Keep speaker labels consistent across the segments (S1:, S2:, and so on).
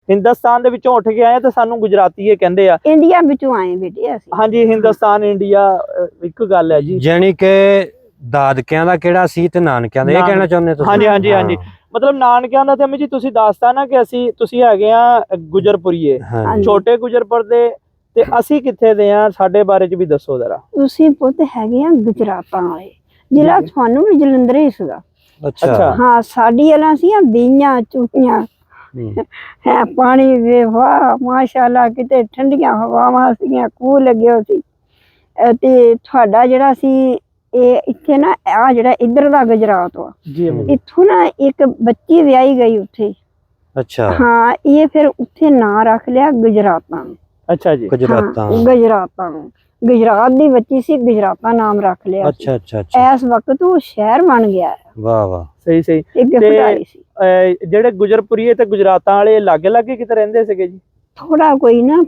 S1: ਹਿੰਦੁਸਤਾਨ ਦੇ ਵਿੱਚੋਂ ਉੱਠ ਕੇ ਆਏ ਤੇ ਸਾਨੂੰ ਗੁਜਰਾਤੀਏ ਕਹਿੰਦੇ ਆ।
S2: ਇੰਡੀਆ ਵਿੱਚੋਂ ਆਏ ਬੇਟੇ ਅਸੀਂ।
S1: ਹਾਂਜੀ, ਹਿੰਦੁਸਤਾਨ ਇੰਡੀਆ ਇੱਕ ਗੱਲ ਹੈ ਜੀ।
S3: ਜਾਨੀ ਕਿ ਦਾਦਕਿਆਂ ਦਾ ਕਿਹੜਾ ਸੀ ਤੇ ਨਾਨਕਿਆਂ ਦਾ, ਇਹ ਕਹਿਣਾ ਚਾਹੁੰਦੇ ਤੁਸੀਂ?
S1: ਹਾਂਜੀ ਹਾਂਜੀ ਹਾਂਜੀ, ਮਤਲਬ ਨਾਨਕਿਆਂ ਦਾ ਤੇ ਅਮੀ ਜੀ ਤੁਸੀਂ ਦੱਸਤਾ ਨਾ ਕਿ ਤੁਸੀਂ ਹੈਗੇ ਆ ਗੁਜਰਪੁਰੀਏ, ਛੋਟੇ ਗੁਜਰਪੁਰ ਦੇ, ਤੇ ਅਸੀਂ ਕਿੱਥੇ ਦੇ ਆ? ਸਾਡੇ ਬਾਰੇ ਚ ਵੀ ਦੱਸੋ ਜ਼ਰਾ।
S2: ਤੁਸੀਂ ਪੁੱਤ ਹੈਗੇ ਆ ਗੁਜਰਾਤਾਂ ਵਾਲੇ, ਜ਼ਿਲ੍ਹਾ ਤੁਹਾਨੂੰ ਵੀ ਜਲੰਧਰ ਹੀ ਸੀਗਾ।
S3: ਅੱਛਾ
S2: ਹਾਂ, ਸਾਡੀ ਵਾਲਾ ਸੀ ਬੀਆਂ ਚੂਟੀਆਂ ਹੈ, ਪਾਣੀ ਵੇ ਵਾਹ ਮਾਸ਼ਾਅੱਲਾ, ਕਿਤੇ ਠੰਡੀਆਂ ਹਵਾਵਾਂ ਸੀਗੀਆਂ, ਖੂਹ ਲੱਗੇ ਹੋਏ ਸੀ। ਤੇ ਤੁਹਾਡਾ ਜਿਹੜਾ ਸੀ ਇਹ ਇੱਥੇ ਨਾ ਆ ਜਿਹੜਾ ਇੱਧਰ ਦਾ ਗੁਜਰਾਤ ਵਾ, ਇੱਥੋਂ ਨਾ ਇੱਕ ਬੱਚੀ ਵਿਆਹੀ ਗਈ ਉੱਥੇ।
S3: ਅੱਛਾ
S2: ਹਾਂ, ਇਹ ਫਿਰ ਉੱਥੇ ਨਾਂ ਰੱਖ ਲਿਆ ਗੁਜਰਾਤਾਂ।
S1: ਅੱਛਾ ਜੀ,
S3: ਗੁਜਰਾਤਾਂ
S2: ਗੁਜਰਾਤਾਂ ਨੂੰ, ਗੁਜਰਾਤ ਦੀ ਬੱਚੀ ਸੀ, ਗੁਜਰਾਤਾਂ ਨਾਮ ਰੱਖ ਲਿਆ।
S3: ਅੱਛਾ ਅੱਛਾ ਅੱਛਾ,
S2: ਇਸ ਵਕਤ ਉਹ ਸ਼ਹਿਰ ਬਣ ਗਿਆ।
S3: ਵਾਹ ਵਾਹ,
S1: ਸਹੀ ਸਹੀ। ਜਿਹੜੇ ਗੁਜਰਪੁਰੀਏ ਤੇ ਗੁਜਰਾਤਾਂ ਵਾਲੇ ਲਾਗੇ ਲਾਗੇ ਕਿਤੇ ਰਹਿੰਦੇ ਸੀਗੇ ਜੀ?
S2: ਥੋੜਾ ਕੋਈ ਨਾ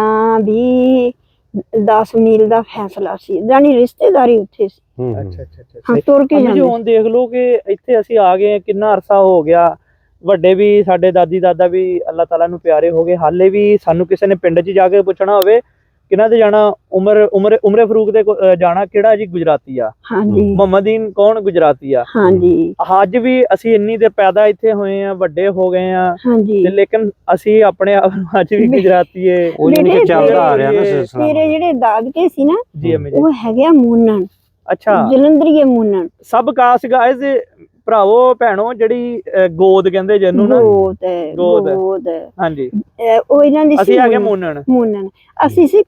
S2: 15-20-10 ਮੀਲ ਦਾ ਫੈਸਲਾ ਸੀ, ਜਾਨੀ ਰਿਸ਼ਤੇਦਾਰੀ ਉੱਥੇ ਸੀ।
S1: ਅੱਛਾ ਅੱਛਾ ਅੱਛਾ,
S2: ਹਾਂ, ਤੁਰ ਕੇ
S1: ਜਾਂਦੇ। ਹੁਣ ਦੇਖ ਲਓ ਕਿ ਇੱਥੇ ਅਸੀਂ ਆ ਗਏ, ਕਿੰਨਾ ਅਰਸਾ ਹੋ ਗਿਆ, ਵੱਡੇ ਵੀ ਸਾਡੇ ਦਾਦੀ ਦਾਦਾ ਵੀ ਅੱਲਾਹ ਤਾਲਾ ਨੂੰ ਪਿਆਰੇ ਹੋ ਗਏ, ਹਾਲੇ ਵੀ ਸਾਨੂੰ ਕਿਸੇ ਨੇ ਪਿੰਡ 'ਚ ਜਾ ਕੇ ਪੁੱਛਣਾ ਹੋਵੇ ਕਿਹਨਾਂ ਦੇ ਜਾਣਾ, ਉਮਰੇ ਫਰੂਕ ਦੇ ਜਾਣਾ, ਕਿਹੜਾ ਜੀ? ਗੁਜਰਾਤੀ ਆ।
S2: ਹਾਂਜੀ,
S1: ਮੁਹੰਮਦੀਨ ਕੌਣ? ਗੁਜਰਾਤੀ ਆ।
S2: ਹਾਂਜੀ,
S1: ਅੱਜ ਵੀ ਅਸੀਂ ਇੰਨੀ ਦੇਰ ਪੈਦਾ ਇੱਥੇ ਹੋਏ ਆ, ਵੱਡੇ ਹੋ ਗਏ ਆ,
S2: ਹਾਂਜੀ,
S1: ਲੇਕਿਨ ਅਸੀਂ ਆਪਣੇ ਆਪ ਨੂੰ ਅੱਜ ਵੀ ਗੁਜਰਾਤੀਏ
S3: ਚੱਲਦਾ ਆ ਰਿਹਾ ਨਾ ਸਿਲਸਿਲਾ।
S2: ਤੇਰੇ ਜਿਹੜੇ ਦਾਦਕੇ ਸੀ ਨਾ
S1: ਜੀ ਅਮੀ ਜੀ,
S2: ਉਹ ਹੈਗੇ ਆ ਮੂਨਨ।
S1: ਅੱਛਾ,
S2: ਜਲੰਧਰੀਏ ਮੂਨਨ।
S1: ਸਭ ਕਾਸ ਗਾਇਜ਼ ਭਰਾਵੋ ਭੈਣੋ, ਜਿਹੜੀ ਗੋਦ ਕਹਿੰਦੇ ਜਿਹਨੂੰ ਨਾ,
S2: ਗੋਦ
S1: ਹਾਂਜੀ,
S2: ਉਹ ਇਹਨਾਂ ਦੀ
S1: ਅਸੀਂ ਹੈਗੇ ਮੂਨਨ।
S2: ਅਸੀਂ ਸੀ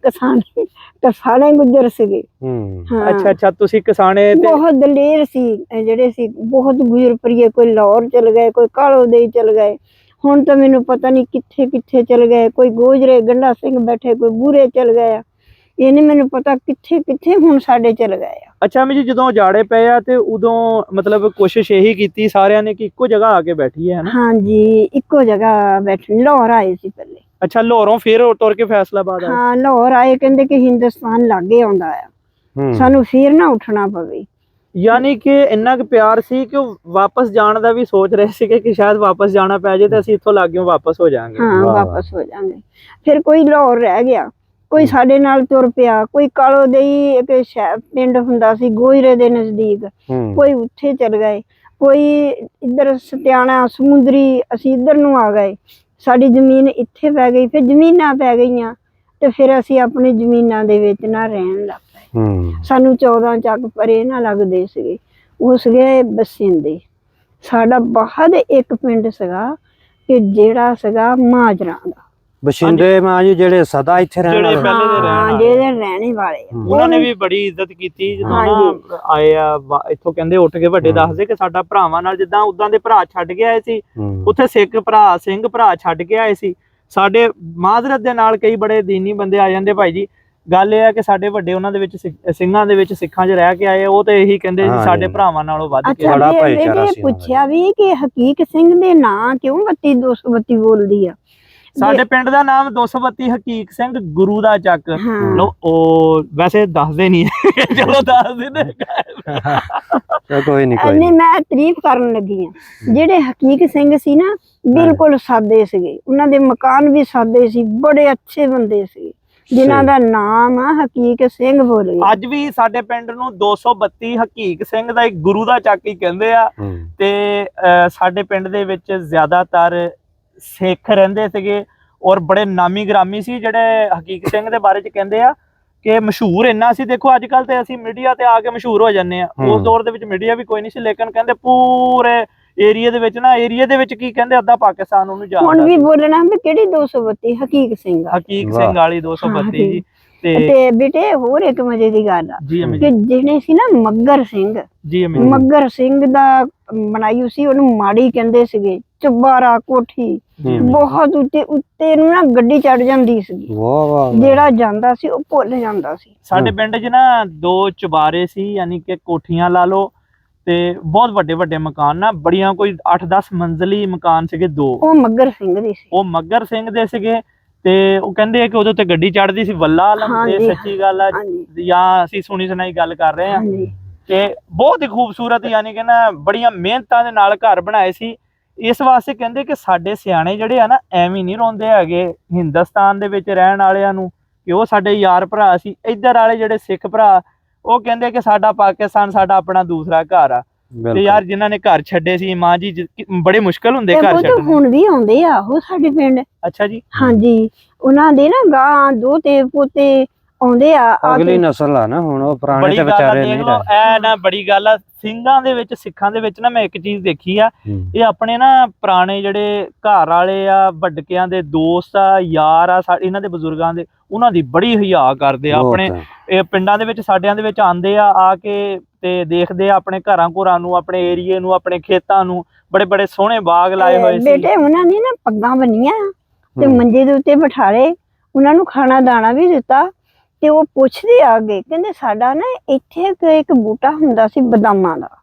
S2: ਕਸਾਣੇ ਗੁੱਜਰ ਸੀਗੇ।
S1: ਅੱਛਾ ਅੱਛਾ, ਤੁਸੀਂ ਕਿਸਾਨੇ ਤੇ
S2: ਬਹੁਤ ਦਲੇਰ ਸੀ ਜਿਹੜੇ ਸੀ, ਬਹੁਤ ਗੁਜਰਪੁਰੀਏ, ਕੋਈ ਲਾਹੌਰ ਚਲ ਗਏ, ਕੋਈ ਕਾਲੋ ਦੇ ਚਲ ਗਏ, ਹੁਣ ਤਾਂ ਮੈਨੂੰ ਪਤਾ ਨਹੀਂ ਕਿੱਥੇ ਕਿੱਥੇ ਚਲ ਗਏ, ਕੋਈ ਗੋਜਰੇ ਗੰਡਾ ਸਿੰਘ ਬੈਠੇ, ਕੋਈ ਬੂਰੇ ਚਲ ਗਏ ਆ, ਇਹ ਨਹੀਂ ਮੈਨੂੰ ਪਤਾ ਕਿੱਥੇ ਕਿੱਥੇ ਹੁਣ ਸਾਡੇ ਚਲ ਗਏ ਆ।
S1: ਅੱਛਾ ਅਮੀ ਜੀ, ਜਦੋਂ ਜਾੜੇ ਪਏ ਆ ਤੇ ਉਦੋਂ ਮਤਲਬ ਕੋਸ਼ਿਸ਼ ਇਹੀ ਕੀਤੀ ਸਾਰਿਆਂ ਨੇ ਕਿ ਇੱਕੋ ਜਗ੍ਹਾ ਆ ਕੇ ਬੈਠੀਏ, ਹੈ ਨਾ?
S2: ਹਾਂਜੀ, ਇੱਕੋ ਜਗ੍ਹਾ ਬੈਠੇ। ਲਾਹੌਰ ਆਏ ਸੀ ਪਹਿਲੇ।
S1: ਅੱਛਾ, ਲਾਹੌਰੋਂ ਫਿਰ ਤੁਰ ਕੇ ਫੈਸਲਾਬਾਦ ਆਏ?
S2: ਹਾਂ, ਲਾਹੌਰ ਆਏ, ਕਹਿੰਦੇ ਕਿ ਹਿੰਦੁਸਤਾਨ ਲਾਗੇ ਆਉਂਦਾ ਆ, ਸਾਨੂੰ ਫਿਰ ਨਾ ਉੱਠਣਾ ਪਵੇ।
S1: ਯਾਨੀ ਕਿ ਇੰਨਾ ਕੁ ਪਿਆਰ ਸੀ ਕਿ ਉਹ ਵਾਪਸ ਜਾਣ ਦਾ ਵੀ ਸੋਚ ਰਹੇ ਸੀਗੇ ਕਿ ਸ਼ਾਇਦ ਵਾਪਸ ਜਾਣਾ ਪੈ ਜਾਏ ਤੇ ਅਸੀਂ ਇੱਥੋਂ ਲਾਗਿਓਂ ਵਾਪਸ ਹੋ ਜਾਾਂਗੇ।
S2: ਹਾਂ, ਵਾਪਸ ਹੋ ਜਾਾਂਗੇ। ਫਿਰ ਕੋਈ ਲਾਹੌਰ ਰਹਿ ਗਿਆ, ਕੋਈ ਸਾਡੇ ਨਾਲ ਤੁਰ ਪਿਆ, ਕੋਈ ਕਾਲੋ ਦੇਈ ਇੱਕ ਪਿੰਡ ਹੁੰਦਾ ਸੀ ਗੋਜਰੇ ਦੇ ਨਜ਼ਦੀਕ, ਕੋਈ ਉੱਥੇ ਚਲ ਗਏ, ਕੋਈ ਇੱਧਰ ਸਤਿਆਣਾ ਸਮੁੰਦਰੀ, ਅਸੀਂ ਇੱਧਰ ਨੂੰ ਆ ਗਏ, ਸਾਡੀ ਜ਼ਮੀਨ ਇੱਥੇ ਪੈ ਗਈ, ਫਿਰ ਜ਼ਮੀਨਾਂ ਪੈ ਗਈਆਂ ਤੇ ਫਿਰ ਅਸੀਂ ਆਪਣੀ ਜ਼ਮੀਨਾਂ ਦੇ ਵਿੱਚ ਨਾ ਰਹਿਣ ਲੱਗ ਪਏ। ਸਾਨੂੰ 14 ਚੱਕ ਪਰੇ ਨਾ ਲੱਗਦੇ ਸੀਗੇ, ਉਹ ਸੀਗੇ ਬਸਿੰਦੇ। ਸਾਡਾ ਬਾਹਰ ਇੱਕ ਪਿੰਡ ਸੀਗਾ ਕਿ ਜਿਹੜਾ ਸੀਗਾ ਮਾਜਰਾ ਦਾ।
S3: ਬਸ਼ਿੰਦੇ ਮਾਂ ਜੀ ਜਿਹੜੇ ਸਦਾ ਇੱਥੇ ਰਹਿਣ ਵਾਲੇ,
S2: ਜਿਹੜੇ ਰਹਿਣੇ ਵਾਲੇ,
S1: ਉਹਨਾਂ ਨੇ ਵੀ ਬੜੀ ਇੱਜ਼ਤ ਕੀਤੀ ਜਦੋਂ ਨਾ ਆਏ ਆ ਇੱਥੋਂ। ਕਹਿੰਦੇ ਉੱਠ ਕੇ ਵੱਡੇ ਦੱਸਦੇ ਕਿ ਸਾਡਾ ਭਰਾਵਾਂ ਨਾਲ ਜਿੱਦਾਂ ਉਦਾਂ ਦੇ ਭਰਾ ਛੱਡ ਕੇ ਆਏ ਸੀ, ਉੱਥੇ ਸਿੱਖ ਭਰਾ ਸਿੰਘ ਭਰਾ ਛੱਡ ਕੇ ਆਏ ਸੀ, ਸਾਡੇ ਮਾਜ਼ਰਤ ਦੇ ਨਾਲ ਕਈ ਬੜੇ ਦੀਨੀ ਬੰਦੇ ਆ ਜਾਂਦੇ ਭਾਈ ਜੀ। ਗੱਲ ਇਹ ਆ ਕਿ ਸਾਡੇ ਵੱਡੇ ਉਹਨਾਂ ਦੇ ਵਿੱਚ ਸਿੰਘਾਂ ਦੇ ਵਿੱਚ ਸਿੱਖਾਂ 'ਚ ਰਹਿ ਕੇ ਆਏ, ਉਹ ਤੇ ਇਹੀ ਕਹਿੰਦੇ ਸੀ ਸਾਡੇ ਭਰਾਵਾਂ ਨਾਲੋਂ ਵੱਧ ਕੇ।
S3: ਬੜਾ ਭਾਈਚਾਰਾ ਸੀ।
S2: ਪੁੱਛਿਆ ਵੀ ਕਿ ਹਕੀਕ ਸਿੰਘ ਦੇ ਨਾਂ ਕਿਉਂ 32 ਬੋਲਦੀ ਆ?
S1: ਸਾਡੇ ਪਿੰਡ ਦਾ ਨਾਮ 232 ਹਕੀਕ ਸਿੰਘ ਗੁਰੂ ਦਾ ਚੱਕ। ਲੋ ਉਹ ਵੈਸੇ ਦੱਸਦੇ ਨਹੀਂ, ਚਲੋ ਦੱਸ ਦਿੰਦੇ।
S3: ਕੋਈ ਨਹੀਂ,
S2: ਮੈਂ ਤਾਰੀਫ ਕਰਨ ਲੱਗੀ ਆ। ਜਿਹੜੇ ਹਕੀਕ ਸਿੰਘ ਸੀ ਨਾ, ਬਿਲਕੁਲ ਸਾਦੇ ਸੀਗੇ, ਉਹਨਾਂ ਦੇ ਮਕਾਨ ਵੀ ਸਾਦੇ ਸੀ, ਬੜੇ ਅੱਛੇ ਬੰਦੇ ਸੀ, ਜਿਨ੍ਹਾਂ ਦਾ ਨਾਮ ਆ ਹਕੀਕ ਸਿੰਘ ਬੋਲੇ।
S1: ਅੱਜ ਵੀ ਸਾਡੇ ਪਿੰਡ ਨੂੰ 232 ਹਕੀਕ ਸਿੰਘ ਦਾ ਇੱਕ ਗੁਰੂ ਦਾ ਚੱਕ ਹੀ ਕਹਿੰਦੇ ਆ। ਤੇ ਸਾਡੇ ਪਿੰਡ ਦੇ ਵਿੱਚ ਜ਼ਿਆਦਾਤਰ ਸਿੱਖ ਰਹਿੰਦੇ ਸੀਗੇ ਔਰ ਬੜੇ ਨਾਮੀ ਗ੍ਰਾਮੀ ਸੀ। ਜਿਹੜੇ ਹਕੀਕ ਸਿੰਘ ਦੇ ਬਾਰੇ ਚ ਕਹਿੰਦੇ ਆ ਕਿ ਮਸ਼ਹੂਰ ਇੰਨਾ ਸੀ, ਦੇਖੋ ਅੱਜ ਕੱਲ ਤੇ ਅਸੀਂ ਮੀਡੀਆ ਤੇ ਆ ਕੇ ਮਸ਼ਹੂਰ ਹੋ ਜਾਂਦੇ ਆ, ਉਸ ਦੌਰ ਦੇ ਵਿੱਚ ਮੀਡੀਆ ਵੀ ਕੋਈ ਨਹੀਂ ਸੀ, ਲੇਕਿਨ ਕਹਿੰਦੇ ਪੂਰੇ ਏਰੀਆ ਦੇ ਵਿੱਚ ਨਾ, ਏਰੀਆ ਦੇ ਵਿੱਚ ਕੀ ਕਹਿੰਦੇ ਅੱਧਾ ਪਾਕਿਸਤਾਨ ਉਹਨੂੰ ਜਾਣਦਾ।
S2: ਹੁਣ ਵੀ ਬੋਲਣਾ ਵੀ ਕਿਹੜੀ 232 ਹਕੀਕ ਸਿੰਘ
S1: ਵਾਲੀ 232 ਜੀ।
S2: ਤੇ ਬੇਟੇ ਹੋਰ ਇੱਕ ਮਜ਼ੇ ਦੀ ਗੱਲ ਆ ਕਿ ਜਿਹਨੇ ਸੀ ਨਾ ਮੱਗਰ ਸਿੰਘ ਦਾ ਬਣਾਈ ਸੀ, ਉਹਨੂੰ ਮਾੜੀ ਕਹਿੰਦੇ ਸੀਗੇ, ਚੁਬਾਰਾ ਕੋਠੀ, ਬਹੁਤ ਉੱਤੇ ਨੂੰ ਨਾ ਗੱਡੀ ਚੜ ਜਾਂਦੀ ਸੀ, ਜਿਹੜਾ ਜਾਂਦਾ ਸੀ ਉਹ ਭੁੱਲ ਜਾਂਦਾ ਸੀ।
S1: ਸਾਡੇ ਪਿੰਡ 'ਚ ਨਾ 2 ਚੁਬਾਰੇ ਸੀ, ਯਾਨੀ ਕਿ ਕੋਠੀਆਂ ਲਾ ਲਓ, ਤੇ ਬਹੁਤ ਵੱਡੇ ਵੱਡੇ ਮਕਾਨ ਨਾ, ਬੜੀਆਂ ਕੋਈ 8-10 ਮੰਜ਼ਲੀ ਮਕਾਨ ਸੀਗੇ 2।
S2: ਉਹ ਮੱਗਰ ਸਿੰਘ ਦੇ ਸੀ,
S1: ਉਹ ਮੱਗਰ ਸਿੰਘ ਦੇ ਸੀਗੇ। ਤੇ ਉਹ ਕਹਿੰਦੇ ਕਿ ਉਹਦੇ ਉੱਤੇ ਗੱਡੀ ਚੜਦੀ ਸੀ, ਵੱਲਾ ਆਲਮ। ਇਹ ਸੱਚੀ ਗੱਲ ਆ ਜਾਂ ਅਸੀਂ ਸੁਣੀ ਸੁਣਾਈ ਗੱਲ ਕਰ ਰਹੇ ਹਾਂ। ਤੇ ਬਹੁਤ ਹੀ ਖੂਬਸੂਰਤ, ਯਾਨੀ ਕਿ ਨਾ ਬੜੀਆਂ ਮਿਹਨਤਾਂ ਦੇ ਨਾਲ ਘਰ ਬਣਾਏ ਸੀ। ਇਸ ਵਾਸਤੇ ਕਹਿੰਦੇ ਕਿ ਸਾਡੇ ਸਿਆਣੇ ਜਿਹੜੇ ਆ ਨਾ ਐਵੇਂ ਨਹੀਂ ਰੋਂਦੇ ਹੈਗੇ ਹਿੰਦੁਸਤਾਨ ਦੇ ਵਿੱਚ ਰਹਿਣ ਵਾਲਿਆਂ ਨੂੰ, ਕਿ ਉਹ ਸਾਡੇ ਯਾਰ ਭਰਾ ਸੀ। ਇੱਧਰ ਵਾਲੇ ਜਿਹੜੇ ਸਿੱਖ ਭਰਾ ਉਹ ਕਹਿੰਦੇ ਕਿ ਸਾਡਾ ਪਾਕਿਸਤਾਨ ਸਾਡਾ ਆਪਣਾ ਦੂਸਰਾ ਘਰ ਆ। ਤੇ ਯਾਰ ਜਿਨ੍ਹਾਂ ਨੇ ਘਰ ਛੱਡੇ ਸੀ ਮਾਂ ਜੀ, ਬੜੇ ਮੁਸ਼ਕਲ ਹੁੰਦੇ ਘਰ ਛੱਡਣੇ।
S2: ਹੁਣ ਵੀ ਆਉਂਦੇ ਆ ਉਹ ਸਾਡੇ ਪਿੰਡ।
S1: ਅੱਛਾ ਜੀ।
S2: ਹਾਂਜੀ, ਉਹਨਾਂ ਦੇ ਨਾ ਗਾਂ ਦੋਤੇ ਪੋਤੇ ਆਉਂਦੇ ਆ।
S3: ਅਗਲੀ ਨਸਲ ਆ ਨਾ ਹੁਣ, ਉਹ ਪੁਰਾਣੇ ਤੇ ਵਿਚਾਰੇ ਨਹੀਂ ਰਹੇ।
S1: ਐ ਨਾ ਬੜੀ ਗੱਲ ਆ ਸਿੰਘਾਂ ਦੇ ਵਿੱਚ, ਸਿੱਖਾਂ ਦੇ ਵਿੱਚ ਨਾ ਮੈਂ ਇੱਕ ਚੀਜ਼ ਦੇਖੀ ਆ, ਇਹ ਆਪਣੇ ਨਾ ਪੁਰਾਣੇ ਜਿਹੜੇ ਘਰ ਵਾਲੇ ਆ, ਵੱਡਕਿਆਂ ਦੇ ਦੋਸਤ ਆ, ਯਾਰ ਆ, ਇਹਨਾਂ ਦੇ ਬਜ਼ੁਰਗਾਂ ਦੇ, ਉਹਨਾਂ ਦੀ ਬੜੀ ਹਿਆ ਕਰਦੇ ਆ। ਆਪਣੇ ਇਹ ਪਿੰਡਾਂ ਦੇ ਵਿੱਚ ਸਾਡਿਆਂ ਦੇ ਵਿੱਚ ਆਉਂਦੇ ਆ ਕੇ ਤੇ ਦੇਖਦੇ ਆ ਆਪਣੇ ਘਰਾਂ ਘੁਰਾਂ ਨੂੰ, ਆਪਣੇ ਏਰੀਏ ਨੂੰ, ਆਪਣੇ ਖੇਤਾਂ ਨੂੰ, ਬੜੇ ਬੜੇ ਸੋਹਣੇ ਬਾਗ ਲਾਏ ਹੋਏ ਸੀ।
S2: ਬੇਟੇ ਉਹਨਾਂ ਨੇ ਨਾ ਪੱਗਾਂ ਬੰਨੀਆਂ ਤੇ ਮੰਜੇ ਦੇ ਉੱਤੇ ਬਿਠਾਲੇ, ਉਹਨਾਂ ਨੂੰ ਖਾਣਾ ਦਾਣਾ ਵੀ ਦਿੱਤਾ। ਤੇ ਉਹ ਪੁੱਛਦੇ ਆ ਅੱਗੇ, ਕਹਿੰਦੇ ਸਾਡਾ ਨਾ ਇੱਥੇ ਇੱਕ ਬੂਟਾ ਹੁੰਦਾ ਸੀ ਬਦਾਮਾਂ ਦਾ।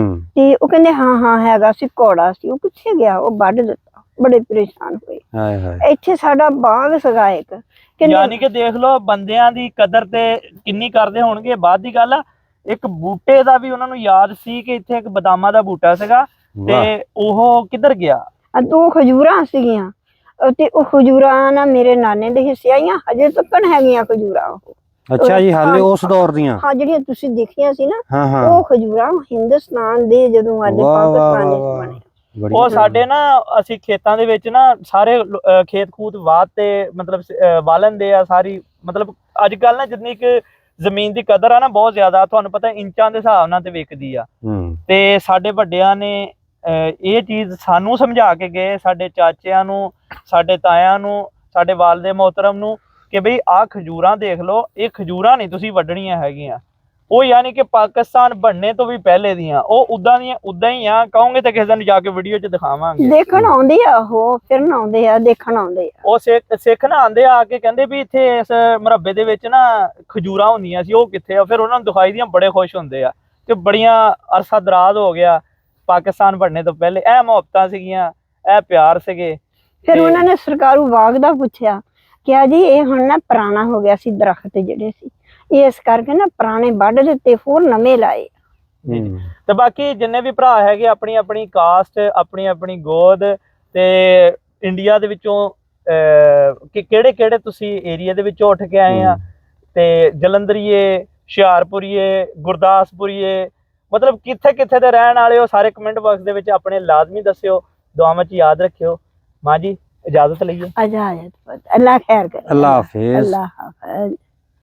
S2: ਤੇ ਉਹ ਕਹਿੰਦੇ ਹਾਂ ਹੈਗਾ ਸੀ, ਕੌੜਾ ਸੀ, ਉਹ ਕਿੱਥੇ ਗਿਆ, ਉਹ ਵੱਢ ਦਿੱਤਾ। ਬੜੇ ਪਰੇਸ਼ਾਨ ਹੋਏ। ਇੱਥੇ ਸਾਡਾ ਬਾਗ ਸੀਗਾ ਇੱਕ।
S1: ਯਾਨੀ ਕਿ ਦੇਖ ਲਓ ਬੰਦਿਆਂ ਦੀ ਕਦਰ ਤੇ ਕਿੰਨੀ ਕਰਦੇ ਹੋਣਗੇ। ਬਾਅਦ ਦੀ ਗੱਲ ਆ, ਇੱਕ ਬੂਟੇ ਦਾ ਵੀ ਉਹਨਾਂ ਨੂੰ ਯਾਦ ਸੀ ਕਿ ਇੱਥੇ ਇੱਕ ਬਦਾਮਾਂ ਦਾ ਬੂਟਾ ਸੀਗਾ ਤੇ ਉਹ ਕਿੱਧਰ ਗਿਆ।
S2: 2 ਖਜੂਰਾਂ ਸੀਗੀਆਂ ਤੇ ਉਹ ਖਜੂਰਾਂ ਨਾ ਮੇਰੇ ਨਾਨੇ ਦੇ ਹਿੱਸੇ ਆਈਆਂ, ਹਜੇ ਤੱਕ ਹੈਗੀਆਂ ਖਜੂਰਾਂ ਉਹ।
S3: ਅੱਛਾ ਜੀ, ਹਾਲੇ ਉਸ ਦੌਰ ਦੀਆਂ?
S2: ਹਾਂ, ਜਿਹੜੀਆਂ ਤੁਸੀਂ ਦੇਖੀਆਂ ਸੀ ਨਾ, ਉਹ ਖਜੂਰਾਂ ਹਿੰਦੁਸਤਾਨ ਦੇ ਜਦੋਂ ਅੱਜ ਪਾਕਿਸਤਾਨ ਵਿੱਚ ਬਣੇ।
S1: ਉਹ ਸਾਡੇ ਨਾ ਅਸੀਂ ਖੇਤਾਂ ਦੇ ਵਿੱਚ ਨਾ ਸਾਰੇ ਖੇਤ ਖੂਤ ਵਾਹ ਤੇ ਮਤਲਬ ਵਾਲਣਦੇ ਆ ਸਾਰੀ। ਮਤਲਬ ਅੱਜ ਕੱਲ ਨਾ ਜਿੰਨੀ ਕੁ ਜ਼ਮੀਨ ਦੀ ਕਦਰ ਆ ਨਾ ਬਹੁਤ ਜ਼ਿਆਦਾ, ਤੁਹਾਨੂੰ ਪਤਾ ਇੰਚਾਂ ਦੇ ਹਿਸਾਬ ਨਾਲ ਤੇ ਵਿਕਦੀ ਆ। ਤੇ ਸਾਡੇ ਵੱਡਿਆਂ ਨੇ ਇਹ ਚੀਜ਼ ਸਾਨੂੰ ਸਮਝਾ ਕੇ ਗਏ, ਸਾਡੇ ਚਾਚਿਆਂ ਨੂੰ, ਸਾਡੇ ਤਾਇਆਂ ਨੂੰ, ਸਾਡੇ ਵਾਲਦੇ ਮੁਹਤਰਮ ਨੂੰ, ਕਿ ਬਈ ਆਹ ਖਜੂਰਾਂ ਦੇਖ ਲਓ, ਇਹ ਖਜੂਰਾਂ ਨਹੀਂ ਤੁਸੀਂ ਵੱਢਣੀਆਂ ਹੈਗੀਆਂ। ਉਹ ਯਾਨੀ ਕਿ ਪਾਕਿਸਤਾਨ ਬਣਨੇ ਤੋਂ ਵੀ ਪਹਿਲੇ ਦੀਆਂ ਉਹ ਉਦਾਂ ਦੀਆਂ ਉਦਾਂ ਹੀ ਆ। ਕਹੋਗੇ ਤਾਂ ਕਿਸੇ ਦਿਨ ਜਾ ਕੇ ਵੀਡੀਓ 'ਚ ਦਿਖਾਵਾਂਗੇ।
S2: ਦੇਖਣ ਆਉਂਦੇ ਆ, ਉਹ ਫਿਰਨ ਆਉਂਦੇ ਆ, ਦੇਖਣ ਆਉਂਦੇ ਆ।
S1: ਉਹ ਸਿੱਖ ਨਾ ਆਉਂਦੇ ਆ ਕੇ ਕਹਿੰਦੇ ਵੀ ਇੱਥੇ ਇਸ ਮੁਰੱਬੇ ਦੇ ਵਿੱਚ ਨਾ ਖਜੂਰਾਂ ਹੁੰਦੀਆਂ ਸੀ, ਉਹ ਕਿੱਥੇ ਆ। ਫਿਰ ਉਹਨਾਂ ਨੂੰ ਦਿਖਾਈ ਦੀਆਂ, ਬੜੇ ਖੁਸ਼ ਹੁੰਦੇ ਆ ਕਿ ਬੜੀਆਂ ਅਰਸਾ ਦਰਾਜ਼ ਹੋ ਗਿਆ ਪਾਕਿਸਤਾਨ ਬਣਨੇ ਤੋਂ ਪਹਿਲੇ। ਇਹ ਮੁਹੱਬਤਾਂ ਸੀਗੀਆਂ, ਇਹ ਪਿਆਰ ਸੀਗੇ।
S2: ਫਿਰ ਉਹਨਾਂ ਨੇ ਸਰਕਾਰੂ ਬਾਗ ਦਾ ਪੁੱਛਿਆ, ਕਿਹਾ ਜੀ ਇਹ ਹੁਣ ਨਾ ਪੁਰਾਣਾ ਹੋ ਗਿਆ ਸੀ, ਦਰਖਤ ਜਿਹੜੇ ਸੀ, ਇਸ ਕਰਕੇ ਨਾ ਪੁਰਾਣੇ ਵੱਢ ਦਿੱਤੇ, ਹੋਰ ਨਵੇਂ ਲਾਏ।
S1: ਤੇ ਬਾਕੀ ਜਿੰਨੇ ਵੀ ਭਰਾ ਹੈਗੇ ਆਪਣੀ ਆਪਣੀ ਕਾਸਟ, ਆਪਣੀ ਆਪਣੀ ਗੋਦ, ਤੇ ਇੰਡੀਆ ਦੇ ਵਿੱਚੋਂ ਕਿਹੜੇ ਕਿਹੜੇ ਤੁਸੀਂ ਏਰੀਆ ਦੇ ਵਿੱਚੋਂ ਉੱਠ ਕੇ ਆਏ ਆ, ਤੇ ਜਲੰਧਰੀਏ, ਹੁਸ਼ਿਆਰਪੁਰੀਏ, ਗੁਰਦਾਸਪੁਰੀਏ, ਮਤਲਬ ਕਿੱਥੇ ਕਿੱਥੇ ਦੇ ਰਹਿਣ ਵਾਲੇ ਹੋ, ਸਾਰੇ ਕਮੈਂਟ ਬਾਕਸ ਦੇ ਵਿੱਚ ਆਪਣੇ ਲਾਜ਼ਮੀ ਦੱਸਿਓ। ਦੁਆਵਾਂ 'ਚ ਯਾਦ ਰੱਖਿਓ। ਮਾਂ ਜੀ ਇਜਾਜ਼ਤ ਲਈਏ।
S2: ਇਜਾਜ਼ਤ, ਅੱਲਾ ਖੈਰ ਕਰੇ।
S3: ਅੱਲਾ ਹਾਫਿਜ਼।
S2: ਅੱਲਾ ਹਾਫਿਜ਼।